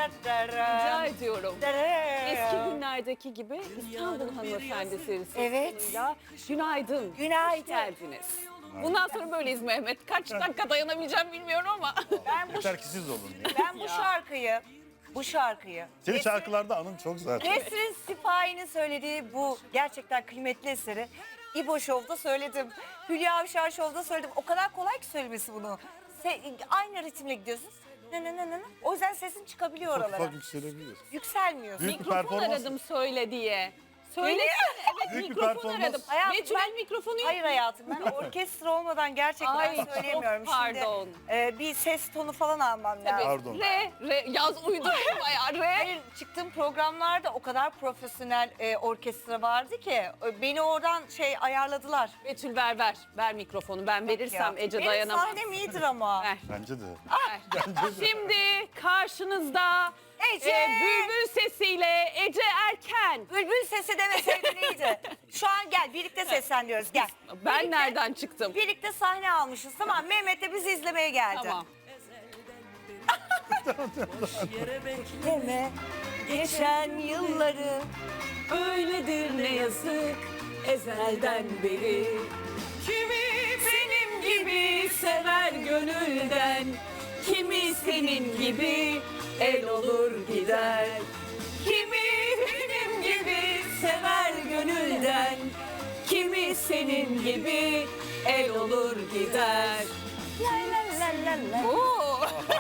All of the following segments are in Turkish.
Rica ediyorum. Eski günlerdeki gibi İstanbul Hanımefendi serisi. Evet. sonuyla Günaydın. Günaydın. Hoş geldiniz. Bundan sonra böyleyiz Mehmet. Kaç dakika dayanabileceğim bilmiyorum ama. Yeter ki siz olun ya. Ben bu şarkıyı Senin şarkılarda anın çok zaten. Nesrin Sipahi'nin söylediği bu gerçekten kıymetli eseri İbo Show'da söyledim. Hülya Avşar Show'da söyledim. O kadar kolay ki söylemesi bunu. Aynı ritimle gidiyorsun. O yüzden sesin çıkabiliyor Çok oralara. ufak yükselebiliyor. Yükselmiyorsun. Büyük bir Mikrofon performans. aradım söyle diye. Söylesene. Evet, Büyük bir mikrofon performans. aradım. Hayatım, Betül mikrofonu yok. Hayır hayatım, ben orkestra olmadan gerçekten Ay, çok söyleyemiyorum. pardon. Şimdi bir ses tonu falan almam lazım. Pardon. Re, yaz uydurdum bayağı re. Hayır, çıktığım programlarda o kadar profesyonel orkestra vardı ki beni oradan ayarladılar. Betül ver mikrofonu. Ben verirsem Ece Benim dayanamaz. sahnem iyidir ama. Ver. Bence de. Şimdi karşınızda Ece! bülbül sesiyle Ece Erken. Bülbül sesi demeseydin iyiydi. Şu an gel birlikte sesleniyoruz, gel. Ben Birlikte- nereden çıktım? Birlikte sahne almışız, tamam. Mehmet de bizi izlemeye geldi. Tamam. Deme geçen yılları. Öyledir ne yazık ezelden beri. Kimi benim gibi sever gönülden, kimi senin gibi el olur gider. Kimi benim gibi sever gönülden, kimi senin gibi el olur gider. La la la la la. Oo.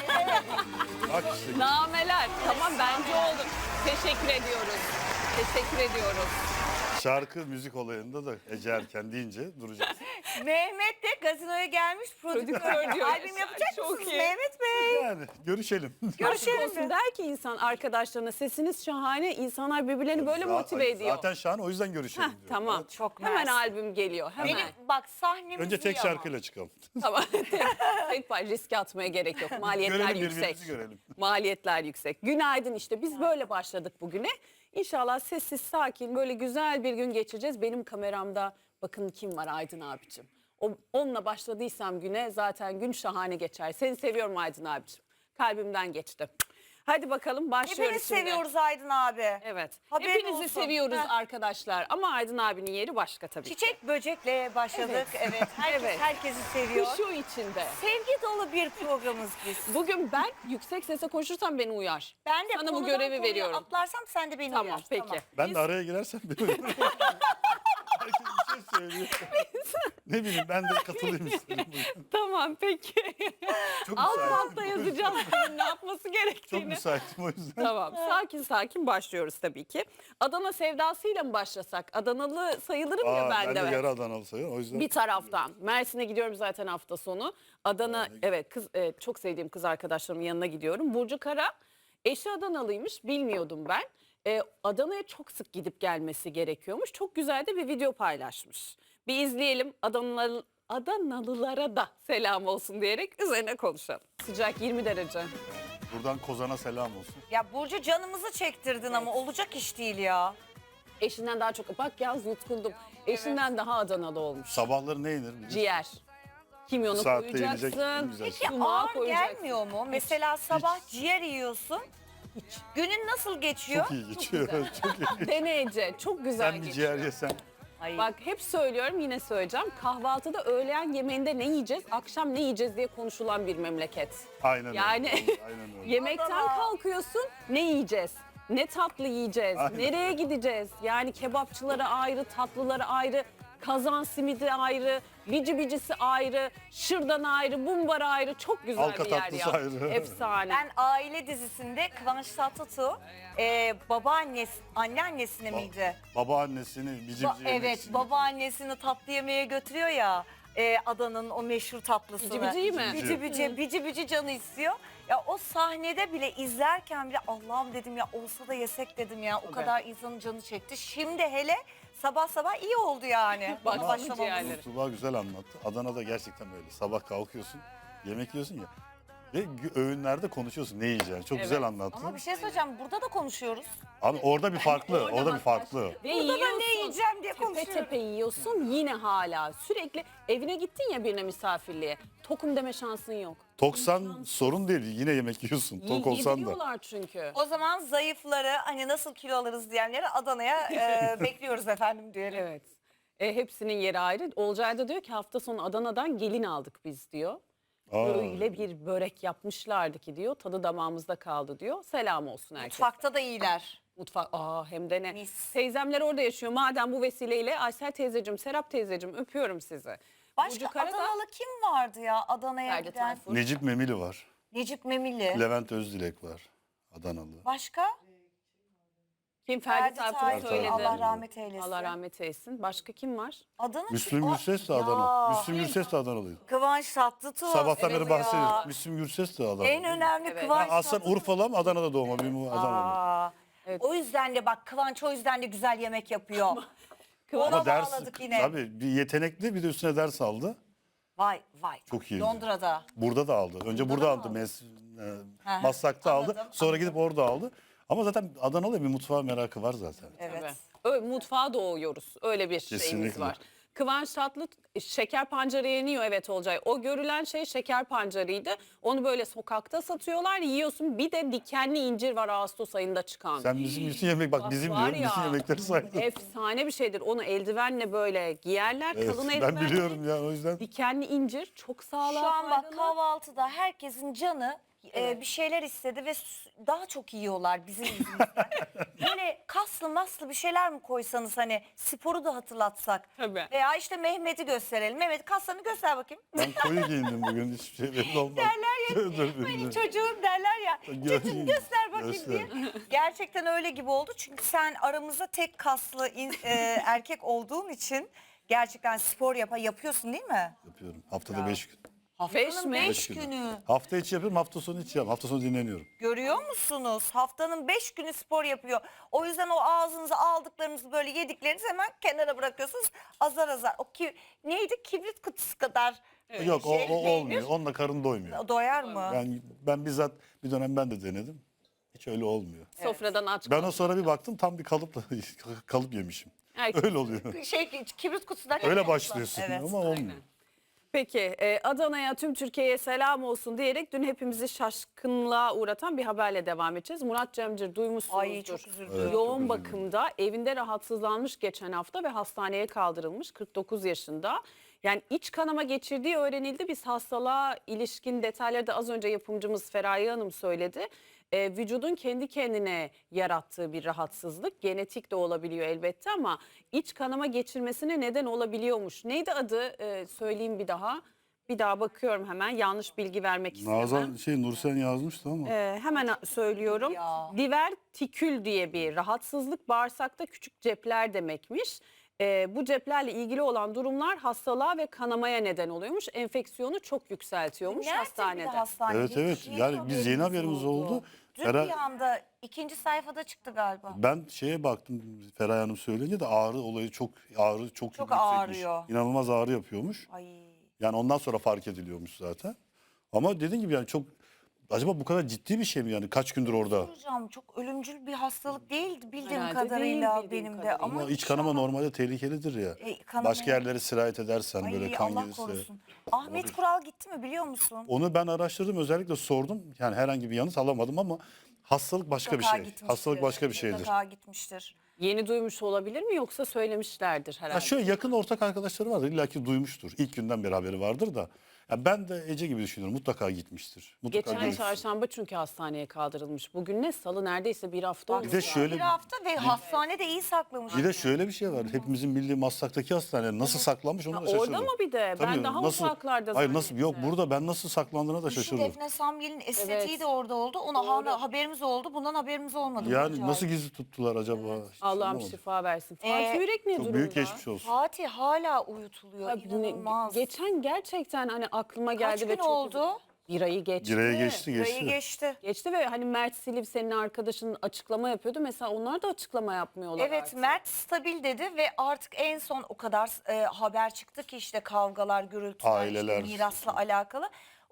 Bak işte. Nameler. Tamam bence oldu. Teşekkür ediyoruz. Teşekkür ediyoruz. Şarkı müzik olayında da Ece Erken deyince duracağız. Mehmet de gazinoya gelmiş prodüktör. Prodüktör diyor. Albüm yapacak Çok mısınız iyi. Mehmet Bey? Yani görüşelim. Görüşelim Aşk olsun mi? der ki insan arkadaşlarına, sesiniz şahane, insanlar birbirlerini böyle motive ediyor. Zaten şahane, o yüzden görüşelim diyorum. Tamam. Çok Hemen mersi. albüm geliyor. Hemen. Benim bak sahnemiz Önce tek iyi ama. şarkıyla çıkalım. Tamam. Tek pay riske atmaya gerek yok. Maliyetler Görelim, yüksek. birbirimizi görelim. Maliyetler yüksek. Günaydın işte. Biz böyle başladık bugüne. İnşallah sessiz, sakin, böyle güzel bir gün geçireceğiz. Benim kameramda bakın kim var, Aydın abicim. Onunla başladıysam güne zaten gün şahane geçer. Seni seviyorum Aydın abicim. Kalbimden geçti. Hadi bakalım başlıyoruz Hepimiz şimdi. seviyoruz Aydın abi. Evet. Haberin Hepinizi olsun. seviyoruz Heh. arkadaşlar. Ama Aydın abinin yeri başka tabii ki. Çiçek böcekle başladık. Evet. Herkes Evet. herkesi seviyor. Kuşu içinde. Sevgi dolu bir programız biz. Bugün ben yüksek sesle konuşursam beni uyar. Ben de Sana bu konudan görevi konuya veriyorum. atlarsam sen de beni Tamam uyar. peki. Ben de araya girersem beni herkes bir şey söylüyor. Ne bileyim, ben de katılayım istedim. Tamam peki. Çok Alt müsaitim. altta yazacağız kimin ne yapması Çok gerektiğini. müsaitim o yüzden. Tamam sakin sakin başlıyoruz tabii ki. Adana sevdasıyla mı başlasak? Adanalı sayılırım ya ben Ben de. de yarı Adanalı sayıyorum. O yüzden Bir taraftan. Mersin'e gidiyorum zaten hafta sonu. Adana evet çok sevdiğim kız arkadaşlarımın yanına gidiyorum. Burcu Kara eşi Adanalıymış, bilmiyordum ben. Adana'ya çok sık gidip gelmesi gerekiyormuş. Çok güzel de bir video paylaşmış. Bir izleyelim, Adanalılara da selam olsun diyerek üzerine konuşalım. Sıcak 20 derece. buradan Kozan'a selam olsun. Ya Burcu canımızı çektirdin ama olacak iş değil ya. Eşinden daha çok, bak yaz yutkundum. Eşinden daha Adanalı olmuş. Sabahları ne yenir? biliyorsun? Ciğer. Kimyonu Saatte koyacaksın. yenecek en güzel şey. Sumağı Ağır koyacaksın. gelmiyor mu? Mesela sabah ciğer yiyorsun. Günün nasıl geçiyor? Çok iyi geçiyor. güzel. Çok iyi. Dene Ece, çok güzel Sen bir geçiyor. ciğer yesen. Ay, Bak hep söylüyorum, yine söyleyeceğim. Kahvaltıda, öğleyen yemeğinde ne yiyeceğiz, akşam ne yiyeceğiz diye konuşulan bir memleket. Aynen Yani öyle. Aynen öyle. yemekten Adana. kalkıyorsun, ne yiyeceğiz? Ne tatlı yiyeceğiz? Aynen. Nereye gideceğiz? Yani kebapçıları ayrı, tatlıları ayrı, kazan simidi ayrı, bici bicisi ayrı, şırdan ayrı, bumbar ayrı. Çok güzel Halka bir yer tatlısı ya. ayrı. Efsane. ben aile dizisinde Kıvanç Tatlıtuğ anneannesine miydi? Babaannesini bici bici Evet, yemeksini. babaannesini tatlı yemeğe götürüyor ya. Adanın o meşhur tatlısını. Bici biciyi mi? Bici bici, bici bici canı istiyor. Ya o sahnede bile izlerken bile Allah'ım dedim ya, olsa da yesek dedim ya. O Tabii. kadar insanın canı çekti. Şimdi hele sabah sabah iyi oldu yani. Bak, Ona bu başlamamız. ciğerleri. Tuğba güzel anlattı. Adana'da gerçekten böyle. Sabah kalkıyorsun, yemek yiyorsun ya. Ve öğünlerde konuşuyorsun ne yiyeceksin. Çok güzel anlattın. Ama bir şey söyleyeceğim. Burada da konuşuyoruz. Abi orada bir farklı. Orada bir farklı. Ve Burada da yiyorsun, ne yiyeceğim diye tepe konuşuyoruz. tepe yiyorsun yine hala. Sürekli evine gittin ya birine misafirliğe. Tokum deme şansın yok. Toksan sorun değil. Yine yemek yiyorsun. Tok olsan da. Yediriyorlar çünkü. O zaman zayıfları hani nasıl kilo alırız diyenleri Adana'ya bekliyoruz efendim diyelim. Evet. Hepsinin yeri ayrı. Olcay da diyor ki hafta sonu Adana'dan gelin aldık biz diyor. Aa. Öyle bir börek yapmışlardı ki diyor. Tadı damağımızda kaldı diyor. Selam olsun herkese. Mutfakta da iyiler. Mutfak. Hem de ne. Mis. Teyzemler orada yaşıyor. Madem bu vesileyle Aysel teyzeciğim, Serap teyzeciğim öpüyorum sizi. Başka Burcu Karadağ, Adanalı kim vardı ya Adana'ya Ferdi giden? Tayfur. Necip Memili var. Necip Memili. Levent Özdilek var. Adanalı. Başka? Kim? Ferdi Tayfur. Tayfur söyledi. Allah rahmet eylesin. Allah rahmet eylesin. Başka kim var? Adana Müslüm Gürses de Ya, Adana. Müslüm Gürses de Adanalıydı. Kıvanç Tatlıtuğ. Sabahtan Evet beri ya. bahsediyoruz. Müslüm Gürses de Adana. En önemli Evet. Kıvanç Aslan Tatlıtuğ. Urfalı ama Adana'da doğma. Benim Adanalı. Aa, Evet. O yüzden de bak Kıvanç o yüzden de güzel yemek yapıyor. Kıvanç- Ona Ama ders, bağladık yine. tabii bir yetenekli bir de üstüne ders aldı. Vay vay. Çok iyiydi. Londra'da. Burada da aldı. Önce burada da aldı. mı Hı, Maslak'ta aldı. anladım, Sonra gidip orada aldı. Ama zaten Adanalı bir mutfağa merakı var zaten. Evet. Tabii. Öyle mutfağa doğuyoruz. Öyle bir şeyimiz Kesinlikle. var. Kıvanç Tatlı şeker pancarı yeniyor evet Olcay. O görülen şey şeker pancarıydı. Onu böyle sokakta satıyorlar yiyorsun. Bir de dikenli incir var Ağustos ayında çıkan. Sen bizim bütün yemek bak Bak bizim var diyorum ya, bütün yemekleri saydın. Efsane bir şeydir. Onu eldivenle böyle giyerler. Evet, Kalın ben eldivenle. biliyorum ya o yüzden. Dikenli incir çok sağlığa Şu an bak faydalı. kahvaltıda herkesin canı bir şeyler istedi ve daha çok yiyorlar bizim yüzümüzden. Böyle kaslı maslı bir şeyler mi koysanız hani sporu da hatırlatsak. Tabii. Veya işte Mehmet'i gösterelim. Mehmet kaslarını göster bakayım. Ben koyu giyindim bugün hiçbir şey belli olmaz. Derler ya Dur, hani çocuğum derler ya. Çocuğum göster bakayım Göster. diye. Gerçekten öyle gibi oldu. Çünkü sen aramızda tek kaslı erkek olduğun için gerçekten spor yapıyorsun değil mi? Yapıyorum. Haftada 5 gün. Haftanın mi? 5 Beş günü. günü. Hafta içi yapıyorum, hafta sonu içi yapıyorum. Hafta sonu dinleniyorum. Görüyor musunuz? Haftanın 5 günü spor yapıyor. O yüzden o ağzınıza aldıklarınızı böyle yediklerinizi hemen kenara bırakıyorsunuz. Azar azar. Neydi? Kibrit kutusu kadar. Yok o peynir. olmuyor. Onunla karın doymuyor. Doyar mı? Ben bizzat bir dönem ben de denedim. Hiç öyle olmuyor. Sofradan aç. Ben o sonra bir baktım tam bir kalıp yemişim. Herkes- Öyle oluyor. Kibrit kutusundan. Öyle başlıyorsun Evet. ama olmuyor. Peki Adana'ya tüm Türkiye'ye selam olsun diyerek dün hepimizi şaşkınlığa uğratan bir haberle devam edeceğiz. Murat Cemcir duymuşsunuzdur. Ay çok üzüldüm. Evet. Yoğun çok üzüldüm. bakımda evinde rahatsızlanmış geçen hafta ve hastaneye kaldırılmış 49 yaşında. Yani iç kanama geçirdiği öğrenildi. Biz hastalığa ilişkin detayları da az önce yapımcımız Feraye Hanım söyledi. Vücudun kendi kendine yarattığı bir rahatsızlık. Genetik de olabiliyor elbette ama iç kanama geçirmesine neden olabiliyormuş. Neydi adı? Söyleyeyim bir daha. Bir daha bakıyorum hemen. Yanlış bilgi vermek istemem. Nazan Nursen yazmıştı ama. Hemen söylüyorum. Ya. Divertikül diye bir rahatsızlık bağırsakta küçük cepler demekmiş. Bu ceplerle ilgili olan durumlar hastalığa ve kanamaya neden oluyormuş. Enfeksiyonu çok yükseltiyormuş Nerede hastanede. bir de hastanede? Evet evet. Hiç Yani biz yeni haberimiz oldu. Dün Fera- bir anda ikinci sayfada çıktı galiba. Ben şeye baktım Feraye Hanım söyleyince de ağrı olayı çok yüksekmiş. ağrıyor. İnanılmaz ağrı yapıyormuş. Ay. Yani ondan sonra fark ediliyormuş zaten. Ama dediğin gibi yani çok acaba bu kadar ciddi bir şey mi yani kaç gündür orada? Hocam çok ölümcül bir hastalık değildi bildiğim Herhalde kadarıyla değil bildiğim benim de. kadarıyla. Ama Ama iç kanama normalde tehlikelidir ya. kanama- Başka yerlere sirayet edersen Ay, böyle kan Allah gelirse. korusun. Ahmet Kural gitti mi biliyor musun? Onu ben araştırdım özellikle sordum. Yani herhangi bir yanıt alamadım ama hastalık başka bir Mutlaka şey. gitmiştir. Hastalık başka bir şeydir. Mutlaka gitmiştir. Yeni duymuş olabilir mi yoksa söylemişlerdir herhalde. Ya şöyle yakın ortak arkadaşları vardır. İlla ki duymuştur. İlk günden beri haberi vardır da. Ya ben de Ece gibi düşünüyorum. Mutlaka gitmiştir. Mutlaka Geçen görmüştür. çarşamba çünkü hastaneye kaldırılmış. Bugün ne? Salı neredeyse bir hafta oldu. Bir de şöyle Bir hafta ve hastanede iyi saklamış. bir de şöyle bir şey var. Hepimizin bildiği Maslak'taki hastane nasıl saklanmış onu da şaşırdım. Orada mı bir de? Ben Tabii, daha nasıl- uzaklarda Hayır nasıl yok zannettim. burada ben nasıl saklandığına da Şu şaşırdım. Defne Samyel'in estetiği Evet. de orada oldu. Ona haberimiz oldu. Bundan haberimiz olmadı. Yani Acayip. nasıl gizli tuttular acaba? Hiç Allah'ım anlamadım. şifa versin. Fatih Yürek ne Çok durumda? büyük geçmiş olsun. Fatih hala uyutuluyor. Abi bu ne- İnanılmaz. Geçen gerçekten hani aklıma Kaç geldi gün ve çok oldu? Bir ayı geçti. Gireye geçti Burayı geçti. geçti. Geçti ve hani Mert Silip senin arkadaşın açıklama yapıyordu. Mesela onlar da açıklama yapmıyorlar Evet artık. Mert stabil dedi ve artık en son o kadar haber çıktı ki işte kavgalar, gürültüler, Aileler. işte mirasla alakalı.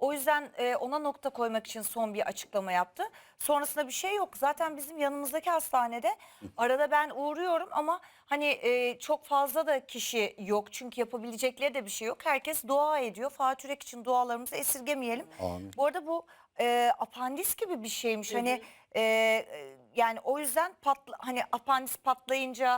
O yüzden ona nokta koymak için son bir açıklama yaptı. Sonrasında bir şey yok. Zaten bizim yanımızdaki hastanede arada ben uğruyorum ama hani çok fazla da kişi yok. Çünkü yapabilecekleri de bir şey yok. Herkes dua ediyor. Fatih Yürek için dualarımızı esirgemeyelim. Amin. Bu arada bu apandis gibi bir şeymiş. Hani yani o yüzden hani apandis patlayınca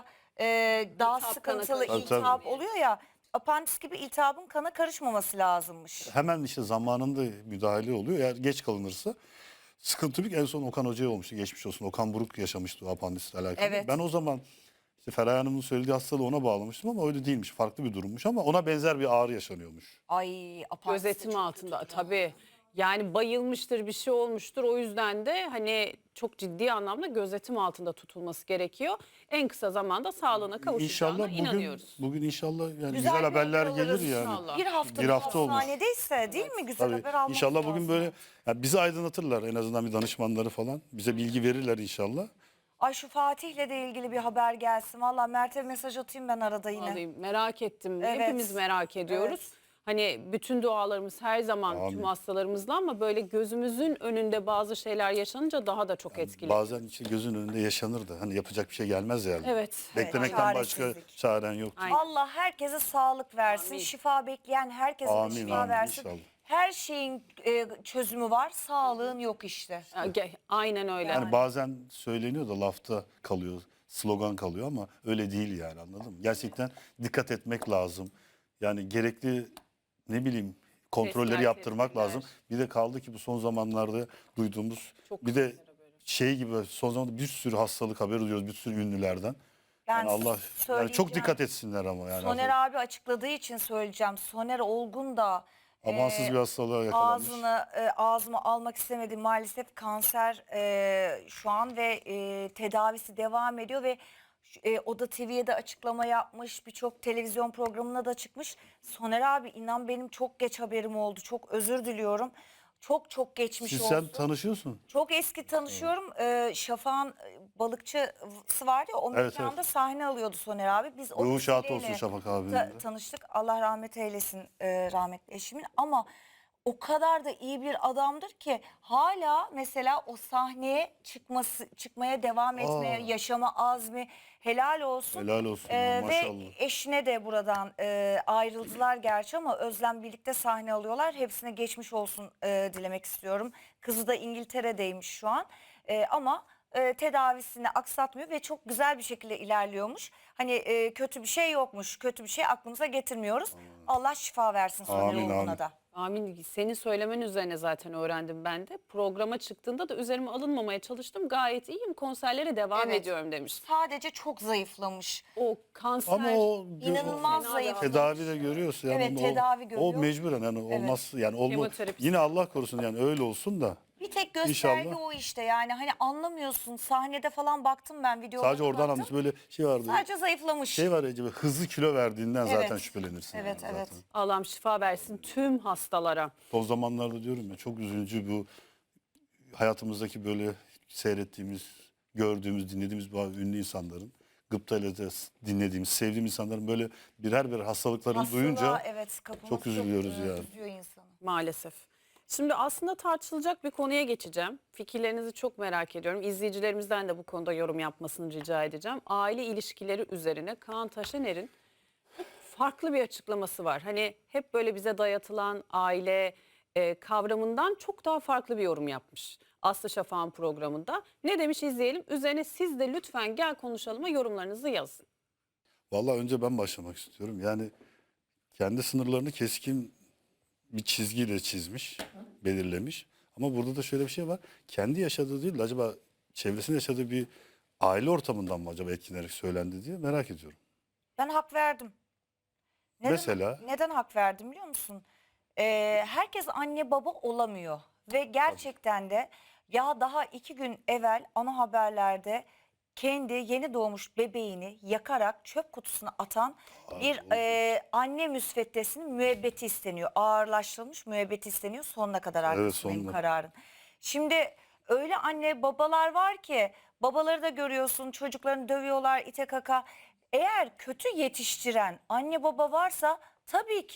daha İltihap, sıkıntılı kana iltihap oluyor ya. Apandis gibi iltihabın kana karışmaması lazımmış. Hemen işte zamanında müdahale oluyor. Eğer geç kalınırsa sıkıntı büyük. En son Okan Hoca'ya olmuştu. Geçmiş olsun. Okan Buruk yaşamıştı o apandisle alakalı. Evet. Ben o zaman işte Feraye Hanım'ın söylediği hastalığı ona bağlamıştım ama öyle değilmiş. Farklı bir durummuş ama ona benzer bir ağrı yaşanıyormuş. Ay apandis de Gözetim çok altında kötü. tabii. Yani bayılmıştır, bir şey olmuştur. O yüzden de hani çok ciddi anlamda gözetim altında tutulması gerekiyor. En kısa zamanda sağlığına kavuşacağına İnşallah inanıyoruz. bugün inşallah yani Güzel güzel haberler bir alırız gelir yani. inşallah. Bir hafta, Bir hafta olmuş. hastanedeyse değil mi güzel Tabii haber almak inşallah bugün lazım. böyle yani bizi aydınlatırlar en azından bir danışmanları falan. Bize bilgi verirler inşallah. Ay şu Fatih'le de ilgili bir haber gelsin. Valla Mert'e mesaj atayım ben arada yine. Vallahi merak ettim. Evet. Hepimiz merak ediyoruz. Hani bütün dualarımız her zaman Amin. tüm hastalarımızla ama böyle gözümüzün önünde bazı şeyler yaşanınca daha da çok etkili. Bazen işte gözün önünde yaşanır da hani yapacak bir şey gelmez yani. Evet. Beklemekten başka çaresizlik. çaren yok. Aynen. Allah herkese sağlık versin. Amin. Şifa bekleyen herkese de Amin, şifa amin, versin. inşallah. Her şeyin çözümü var. Sağlığın yok işte. Aynen öyle. Yani bazen söyleniyor da lafta kalıyor, slogan kalıyor ama öyle değil yani anladın mı? Gerçekten dikkat etmek lazım. Yani gerekli ne bileyim kontrolleri Testler, yaptırmak tedbirler. lazım. Bir de kaldı ki bu son zamanlarda duyduğumuz Çok bir de kanser haberi. şey gibi son zamanlarda bir sürü hastalık haberi duyuyoruz bir sürü ünlülerden. Yani Allah yani söyleyeceğim. çok dikkat etsinler ama yani. Soner abi açıkladığı için söyleyeceğim. Soner Olgun da Amansız bir hastalığa yakalanmış. ağzıma almak istemedi. Maalesef kanser şu an ve tedavisi devam ediyor ve o da TV'ye de açıklama yapmış. Birçok televizyon programına da çıkmış. Soner abi inan benim çok geç haberim oldu. Çok özür diliyorum. Çok çok geçmiş Siz olsun. sen tanışıyorsun. Çok eski tanışıyorum. Şafak'ın balıkçısı vardı ya o Evet, mekanda evet. sahne alıyordu Soner abi. Biz o Ruhu şad olsun vesileyle Şafak abinin de. tanıştık. Allah rahmet eylesin rahmetli eşimin ama o kadar da iyi bir adamdır ki hala mesela o sahneye çıkmaya devam etmeye, yaşama azmi helal olsun. Helal olsun Ve maşallah. eşine de buradan ayrıldılar gerçi ama Özlem birlikte sahne alıyorlar. Hepsine geçmiş olsun dilemek istiyorum. Kızı da İngiltere'deymiş şu an ama tedavisini aksatmıyor ve çok güzel bir şekilde ilerliyormuş. Hani kötü bir şey yokmuş, kötü bir şey aklımıza getirmiyoruz. Allah şifa versin Soner Amin, Olgun'a amin. da. Amin. Senin söylemen üzerine zaten öğrendim ben de. Programa çıktığında da üzerime alınmamaya çalıştım. Gayet iyiyim. Konserlere devam Evet. ediyorum demiş. Sadece çok zayıflamış. O kanser Ama o İnanılmaz Fena zayıf. devam. tedavi de görüyorsa yani Evet, o, tedavi o görüyor. mecburen yani olmaz yani Kemoterapi. yine Allah korusun yani öyle olsun da Bir tek gösterge İnşallah. o işte yani hani anlamıyorsun sahnede falan baktım ben videolara sadece oradan baktım. anlıyorsun böyle şey vardı. Sadece zayıflamış. Şey var ya acaba hızlı kilo verdiğinden Evet. zaten şüphelenirsin. Evet, yani evet. zaten. Allah'ım şifa versin tüm hastalara. Son zamanlarda diyorum ya çok üzücü bu hayatımızdaki böyle seyrettiğimiz, gördüğümüz, dinlediğimiz bu ünlü insanların gıptayla da dinlediğimiz, sevdiğimiz insanların böyle birer hastalıklarını Hastalığa, duyunca evet, kapımız çok üzülüyoruz yani. üzüyor insanı. Maalesef. Şimdi aslında tartışılacak bir konuya geçeceğim. Fikirlerinizi çok merak ediyorum. İzleyicilerimizden de bu konuda yorum yapmasını rica edeceğim. Aile ilişkileri üzerine Kaan Taşener'in farklı bir açıklaması var. Hani hep böyle bize dayatılan aile kavramından çok daha farklı bir yorum yapmış. Aslı Şafak'ın programında. Ne demiş izleyelim. Üzerine siz de lütfen gel konuşalıma yorumlarınızı yazın. Vallahi önce ben başlamak istiyorum. Yani kendi sınırlarını keskin bir çizgiyle çizmiş, belirlemiş. Ama burada da şöyle bir şey var. Kendi yaşadığı değil de acaba çevresinde yaşadığı bir aile ortamından mı acaba etkilenerek söylendi diye merak ediyorum. Ben hak verdim. Mesela? Neden hak verdim biliyor musun? Herkes anne baba olamıyor. Ve gerçekten de ya daha 2 gün evvel ana haberlerde kendi yeni doğmuş bebeğini yakarak çöp kutusuna atan bir anne müsveddesinin müebbeti isteniyor. Ağırlaştırılmış müebbeti isteniyor sonuna kadar arkasındayım sonuna. kararın. Şimdi öyle anne babalar var ki babaları da görüyorsun çocuklarını dövüyorlar ite kaka. Eğer kötü yetiştiren anne baba varsa tabii ki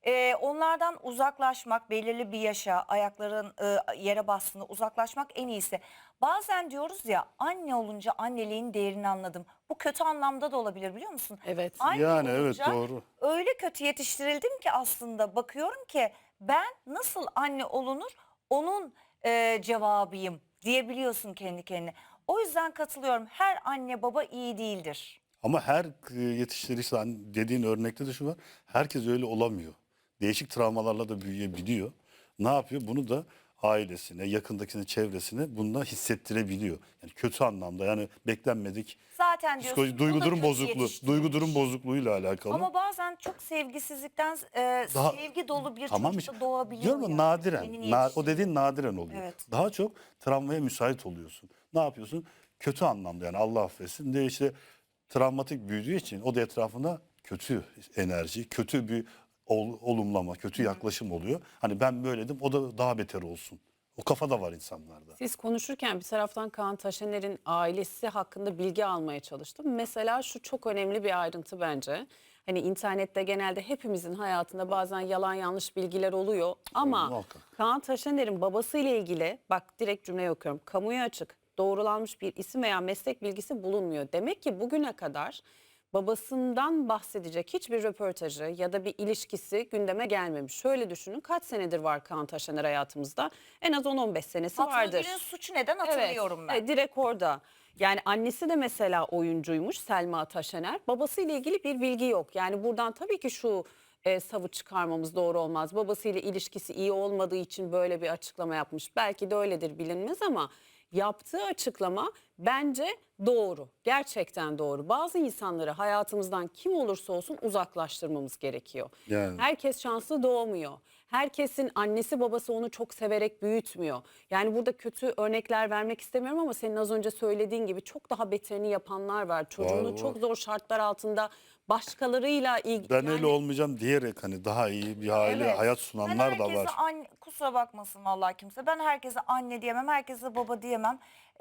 Onlardan uzaklaşmak, belirli bir yaşa, ayakların yere bastığında uzaklaşmak en iyisi. Bazen diyoruz ya, anne olunca anneliğin değerini anladım. Bu kötü anlamda da olabilir, biliyor musun? Evet. Anne Yani evet, olunca doğru. öyle kötü yetiştirildim ki aslında bakıyorum ki ben nasıl anne olunur onun cevabıyım diyebiliyorsun kendi kendine. O yüzden katılıyorum, her anne baba iyi değildir. Ama her yetiştirirse hani dediğin örnekte de şu var. Herkes öyle olamıyor. Değişik travmalarla da büyüyebiliyor. Ne yapıyor? Bunu da ailesine, yakındakine, çevresine bununla hissettirebiliyor. Yani kötü anlamda, yani beklenmedik Zaten diyorsun psikoloji, bu duygu da durum kötü bozukluğu, yetiştirilmiş. duygu durum bozukluğuyla alakalı. Ama bazen çok sevgisizlikten Daha sevgi dolu bir tamam çocuk işte da doğabiliyor diyorum ya, yani. nadiren. Senin O yetiştiğin. dediğin nadiren oluyor. Evet. Daha çok travmaya müsait oluyorsun. Ne yapıyorsun? Kötü anlamda, yani Allah affetsin de işte travmatik büyüdüğü için o da etrafına kötü enerji, kötü bir olumlama, kötü yaklaşım oluyor. Hani ben böyledim, o da daha beter olsun. O kafa da var insanlarda. Siz konuşurken bir taraftan Kaan Taşener'in ailesi hakkında bilgi almaya çalıştım. Mesela şu çok önemli bir ayrıntı bence. Hani internette genelde hepimizin hayatında bazen yalan yanlış bilgiler oluyor. Ama Muhakkak. Kaan Taşener'in babasıyla ilgili, bak direkt cümleyi okuyorum, kamuya açık, doğrulanmış bir isim veya meslek bilgisi bulunmuyor. Demek ki bugüne kadar babasından bahsedecek hiçbir röportajı ya da bir ilişkisi gündeme gelmemiş. Şöyle düşünün, kaç senedir var Kaan Taşener hayatımızda? En az 10-15 senesi Fatma vardır. Gül'ün suçu neden hatırlıyorum ben. Direkt orada. Yani annesi de mesela oyuncuymuş, Selma Taşener. Babasıyla ilgili bir bilgi yok. Yani buradan tabii ki şu savı çıkarmamız doğru olmaz. Babasıyla ilişkisi iyi olmadığı için böyle bir açıklama yapmış. Belki de öyledir, bilinmez, ama yaptığı açıklama bence doğru. Gerçekten doğru. Bazı insanları hayatımızdan kim olursa olsun uzaklaştırmamız gerekiyor. Yani. Herkes şanslı doğmuyor. Herkesin annesi babası onu çok severek büyütmüyor. Yani burada kötü örnekler vermek istemiyorum ama senin az önce söylediğin gibi çok daha beterini yapanlar var. Çocuğunu Var, çok var. zor şartlar altında başkalarıyla Ben öyle yani olmayacağım diyerek hani daha iyi bir aile, Evet. hayat Ben sunanlar da herkese var. anne, kusura bakmasın vallahi kimse. Ben herkese anne diyemem, herkese baba diyemem.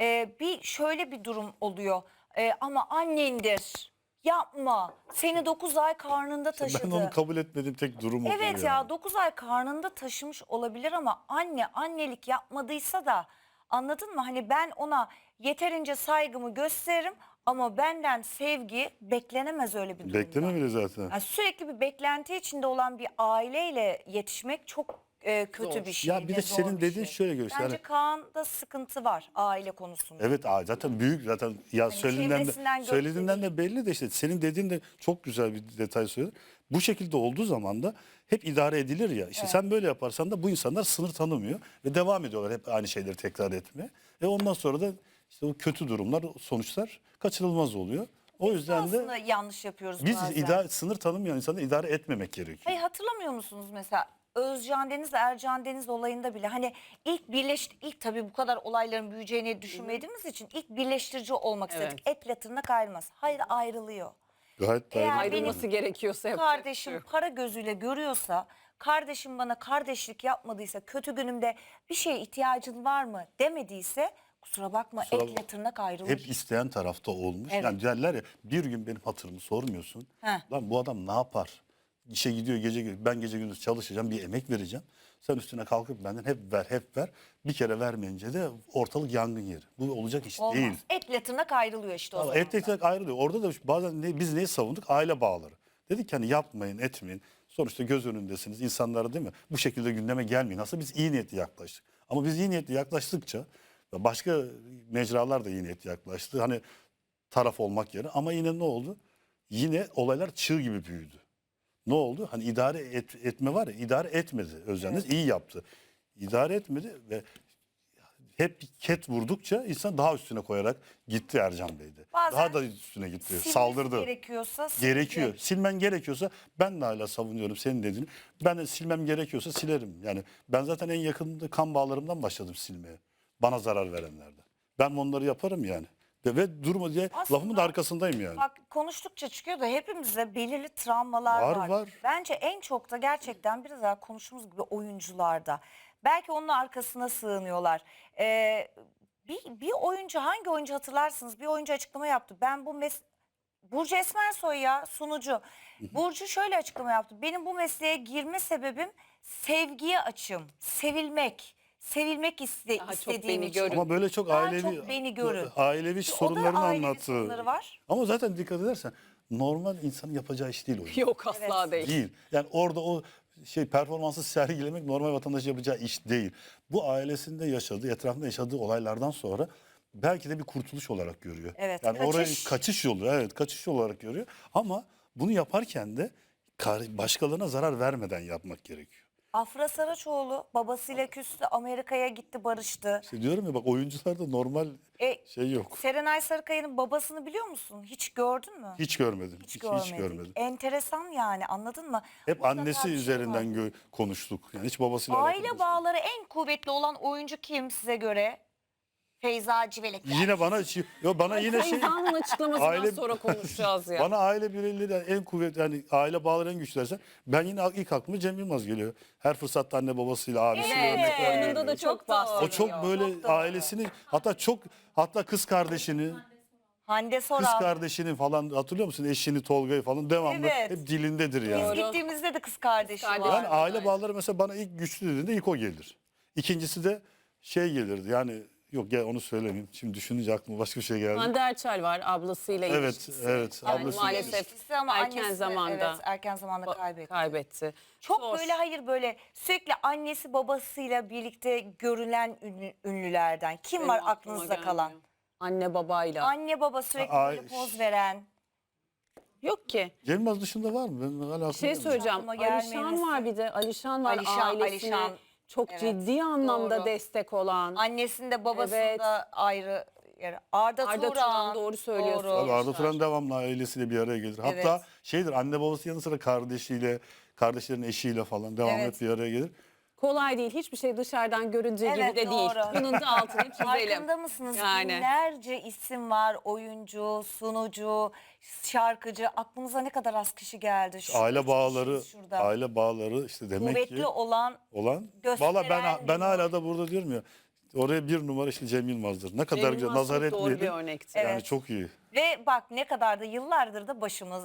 Bir şöyle bir durum oluyor. Ama annendir. Yapma. Seni 9 ay karnında taşıdı. Ben onu kabul etmediğim tek durum o Evet yani. ya, 9 ay karnında taşımış olabilir ama anne annelik yapmadıysa da, anladın mı? Hani ben ona yeterince saygımı gösteririm ama benden sevgi beklenemez öyle bir durumda. Bekleme bile zaten. Yani sürekli bir beklenti içinde olan bir aileyle yetişmek çok kötü Zor. bir şey. Ya bir ve de zor senin bir dediğin şey. şöyle göster. Bence Kaan'da sıkıntı var aile konusunda. Evet, zaten büyük, zaten ya Hani çevresinden söylediğinden de belli de, işte senin dediğin de çok güzel bir detay söyledin. Bu şekilde olduğu zaman da hep idare edilir ya. İşte sen böyle yaparsan da bu insanlar sınır tanımıyor ve devam ediyorlar hep aynı şeyleri tekrar etmeye. Ve ondan sonra da işte o kötü durumlar, sonuçlar kaçınılmaz oluyor. O yüzden Aslında de yanlış yapıyoruz biz bazen. sınır tanımayan insanları idare etmemek gerekiyor. Hayır, hatırlamıyor musunuz mesela Özcan Deniz, Ercan Deniz olayında bile hani ilk tabii bu kadar olayların büyüyeceğini düşünmediğimiz için ilk birleştirici olmak Evet. istedik. Etle tırnak ayrılmaz. Hayır, ayrılıyor. Gayet Eğer daire. ayrılması gerekiyorsa yapacak bir şey Kardeşim yok. para gözüyle görüyorsa, kardeşim bana kardeşlik yapmadıysa, kötü günümde bir şeye ihtiyacın var mı demediyse, kusura bakma, Kusura etle tırnak ayrılır. Hep isteyen tarafta olmuş. Evet. Yani derler ya, bir gün benim hatırımı sormuyorsun. Heh. Lan bu adam ne yapar? İşe gidiyor gece, ben gece gündüz çalışacağım, bir emek vereceğim. Sen üstüne kalkıp benden hep ver. Bir kere vermeyince de ortalık yangın yeri. Bu olacak iş Olmaz. değil. Etle tırnak ayrılıyor işte o Ama zaman. et ekmek ayrılıyor. Orada da bazen biz neyi savunduk? Aile bağları. Dedik ki hani yapmayın, etmeyin. Sonuçta göz önündesiniz insanlara, değil mi? Bu şekilde gündeme gelmeyin. Aslında biz iyi niyetli yaklaştık. Ama biz iyi niyetli yaklaştıkça ve başka mecralar da iyi niyetli yaklaştı. Hani taraf olmak yerine, ama yine ne oldu? Yine olaylar çığ gibi büyüdü. Ne oldu? Hani idare etme var ya, idare etmedi. Özcan Deniz iyi yaptı. İdare etmedi ve hep ket vurdukça insan daha üstüne koyarak gitti Ercan Bey'de. Bazen Daha da üstüne gitti. Silmesi Saldırdı. gerekiyorsa Gerekiyor. silecek. Silmen gerekiyorsa, ben de hala savunuyorum senin dediğini. Ben de silmem gerekiyorsa silerim. Yani ben zaten en yakın kan bağlarımdan başladım silmeye. Bana zarar verenlerden. Ben onları yaparım yani. Ve durma diye Aslında lafımın da arkasındayım yani. Bak, konuştukça çıkıyor da hepimizde belirli travmalar Var, var. var. Bence en çok da gerçekten biraz daha konuştuğumuz gibi oyuncularda. Belki onun arkasına sığınıyorlar. Bir oyuncu, hangi oyuncu hatırlarsınız? Bir oyuncu açıklama yaptı. Ben bu Burcu Esmersoy ya sunucu. Burcu şöyle açıklama yaptı. Benim bu mesleğe girme sebebim sevgiye açım. Sevilmek. Sevilmek Daha çok istediğim beni için. görün. Ama böyle çok Daha ailevi çok beni görün. ailevi O da sorunlarını ailevi anlattı. sorunları var. Ama zaten dikkat edersen normal insanın yapacağı iş değil o. Yok asla Evet. değil. Değil. Yani orada o performansı sergilemek normal vatandaş yapacağı iş değil. Bu ailesinde yaşadığı, etrafında yaşadığı olaylardan sonra belki de bir kurtuluş olarak görüyor. Evet, Yani kaçış. orayı kaçış yolu, evet kaçış yolu olarak görüyor. Ama bunu yaparken de başkalarına zarar vermeden yapmak gerekiyor. Afra Saraçoğlu babasıyla küstü. Amerika'ya gitti, barıştı. İşte diyorum ya bak oyuncularda normal şey yok. Serenay Sarıkaya'nın babasını biliyor musun? Hiç gördün mü? Hiç görmedim. Hiç görmedik. görmedim. Enteresan yani, anladın mı? Hep Mutlaka annesi bir şey üzerinden var. konuştuk. Yani hiç babasıyla alakalı Aile bir şey. bağları en kuvvetli olan oyuncu kim size göre? Feyza Civelek. Yine bana yine Feyza'nın açıklamasından Aile- sonra konuşacağız ya. Bana aile bireyleri en kuvvetli, yani aile bağları en güçlü dersen ben yine ilk aklıma Cem Yılmaz geliyor. Her fırsatta anne babasıyla abisiyle Evet, örnek veriyor. oyununda da çok Çok doğru. bahsediyor. O çok böyle Çok doğru. ailesini hatta kız kardeşini Hande Soral. kız kardeşini falan hatırlıyor musun? Eşini Tolga'yı falan devamlı Evet. hep dilindedir yani. Biz gittiğimizde de kız kardeşi Kız var. kardeşi. Yani aile bağları mesela bana ilk güçlü dediğinde ilk o gelir. İkincisi de gelirdi yani yok ya onu söylemeyeyim. Şimdi düşününce aklıma başka bir şey geldi. Hande Erçel var ablasıyla Evet, ilişkisi. evet, Yani ablasıyla maalesef İlişkisi ama erken annesi, zamanda evet, erken zamanda kaybetti. kaybetti. Çok Zor. böyle böyle sürekli annesi babasıyla birlikte görülen ünlülerden. Kim Benim var aklıma aklınızda gelmiyor. kalan? Anne babayla. Anne baba sürekli Ay. böyle poz veren. Yok ki. Cem Yılmaz dışında var mı? Ben hala aklıma Bir şey gelmiyor. söyleyeceğim. Aklıma Alişan gelmeyen var bir de. Alişan var ailesine Alişan. çok Evet, ciddi anlamda doğru. destek olan. Annesinde babasında Evet. ayrı. Yani Arda Turan, Turan. doğru söylüyorsun. Doğru. Tabii Arda Turan devamlı ailesiyle bir araya gelir. Hatta anne babası yanı sıra kardeşlerin eşiyle falan devamlı Evet. hep bir araya gelir. Kolay değil. Hiçbir şey dışarıdan göründüğü gibi Evet, de değil. doğru. Bunun da altını çizelim. Farkında mısınız? Yani. Binlerce isim var. Oyuncu, sunucu, şarkıcı. Aklımıza ne kadar az kişi geldi. Şu Aile üç bağları, kişiyiz şurada. aile bağları işte demek Kuvvetli ki olan gösteren Valla ben bir hala da burada diyorum ya oraya bir numara işte Cem Yılmaz'dır. Ne kadar Cem güzel Yılmaz nazar çok doğru bir etmeyelim. örnekti. Yani Evet. çok iyi. ve bak ne kadar da yıllardır da başımız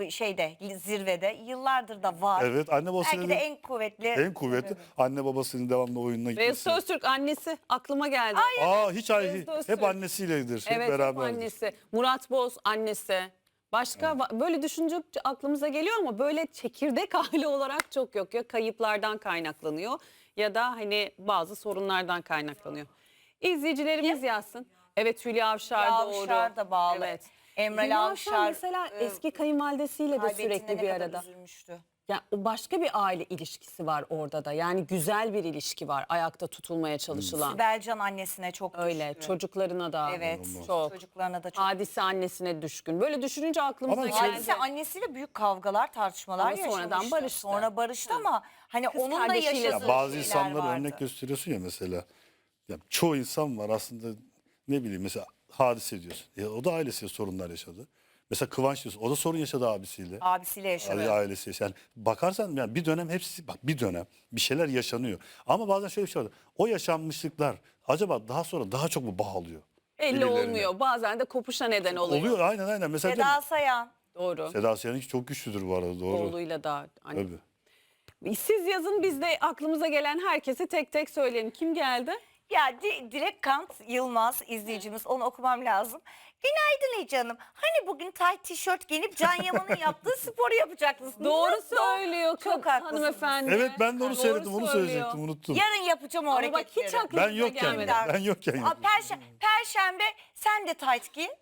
zirvede yıllardır da var. Evet anne babasının Belki de en kuvvetli. en kuvvetli anne babasının devamlı oyununa Beyaz gitmesi. Öztürk annesi aklıma geldi. Hiç Beyaz hep Öztürk. annesiyledir. Hep Evet hep beraberdir. annesi. Murat Boz annesi. Başka böyle düşünce aklımıza geliyor ama böyle çekirdek aile olarak çok yok. Ya kayıplardan kaynaklanıyor ya da hani bazı sorunlardan kaynaklanıyor. İzleyicilerimiz yazsın. Evet Hülya Avşar Hülya doğru. Avşar da bağlı. Evet. Emre Hülya Avşar mesela eski kayınvalidesiyle de kaybettiğinde sürekli ne bir kadar arada. üzülmüştü. Yani o başka bir aile ilişkisi var orada da. Yani güzel bir ilişki var ayakta tutulmaya çalışılan. Sibelcan annesine çok Öyle düşkün. çocuklarına da Evet. çok. Çocuklarına da çok. Hadise annesine düşkün. Böyle düşününce aklımıza Ama geldi. Hadise annesiyle büyük kavgalar, tartışmalar Ama yaşamıştı. sonradan barıştı. Sonra barıştı ama hani Kız onun da kardeşiyle yaşadığı Ya bazı şeyler insanlara vardı. örnek gösteriyorsun ya mesela. Ya çoğu insan var aslında ne bileyim mesela Hadise diyorsun. O da ailesiyle sorunlar yaşadı. Mesela Kıvanç diyorsun. O da sorun yaşadı abisiyle. Abisiyle yaşadı. Ailesi. Yani bakarsan yani bir dönem bir dönem bir şeyler yaşanıyor. Ama bazen şöyle bir şey var. O yaşanmışlıklar acaba daha sonra daha çok mu bağlıyor? Belli birbirlerine? olmuyor. Bazen de kopuşa neden oluyor. Oluyor aynen. Mesela Seda Sayan. Doğru. Seda Sayan'ınki çok güçlüdür bu arada doğru. Oğluyla da. Hani. Tabii. Siz yazın biz de aklımıza gelen herkesi tek tek söyleyelim. Kim geldi? Ya Dilek Kant Yılmaz izleyicimiz, onu okumam lazım. Günaydın Ece Hanım. Hani bugün tayt tişört giyinip Can Yaman'ın yaptığı sporu yapacaksınız. Doğru Nasıl? söylüyor Çok haklısınız. hanımefendi. Evet ben de onu Doğru seyrettim onu söylüyor. söyleyecektim unuttum. Yarın yapacağım o Ama bak hareketleri. hiç aklımıza Ben yokken gelmedi. ben yokken. Aa, Perşembe sen de tayt giyin.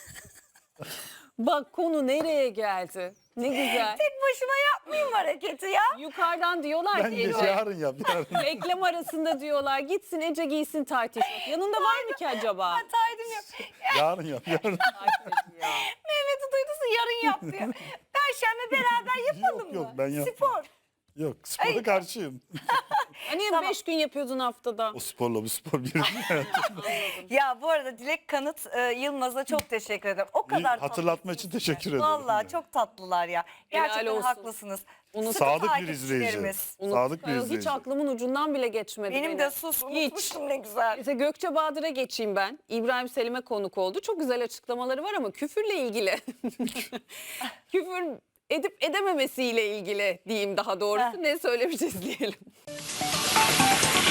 Bak konu nereye geldi? Ne güzel. Tek başıma yapmayayım hareketi ya. Yukarıdan diyorlar Ben ki de Ece, yarın yap yarın. reklam arasında diyorlar gitsin Ece giysin tayt tişört. Yanında var mı ki acaba? Taydım yok. Yarın yap yarın. Mehmet'i duyduysa yarın yap diyor. Perşembe beraber yapalım Yok, mı? ben yapmam. Spor. Yok spora karşıyım. Hani Tamam. 5 gün yapıyordun haftada. O sporla bu spor bir. Ya bu arada Dilek Kanıt Yılmaz'a çok teşekkür ederim. O kadar Hatırlatma için teşekkür ederim. Vallahi çok tatlılar ya. Gerçekten olsun. haklısınız. Sıkı Sadık bir izleyici. takipçilerimiz. Sadık bir Hiç izleyici. aklımın ucundan bile geçmedi. Benim de sus unutmuştum ne güzel. Mesela Gökçe Bahadır'a geçeyim ben. İbrahim Selim'e konuk oldu. Çok güzel açıklamaları var ama küfürle ilgili. Küfür edip edememesiyle ilgili diyeyim daha doğrusu. Ne söylemiş izleyelim.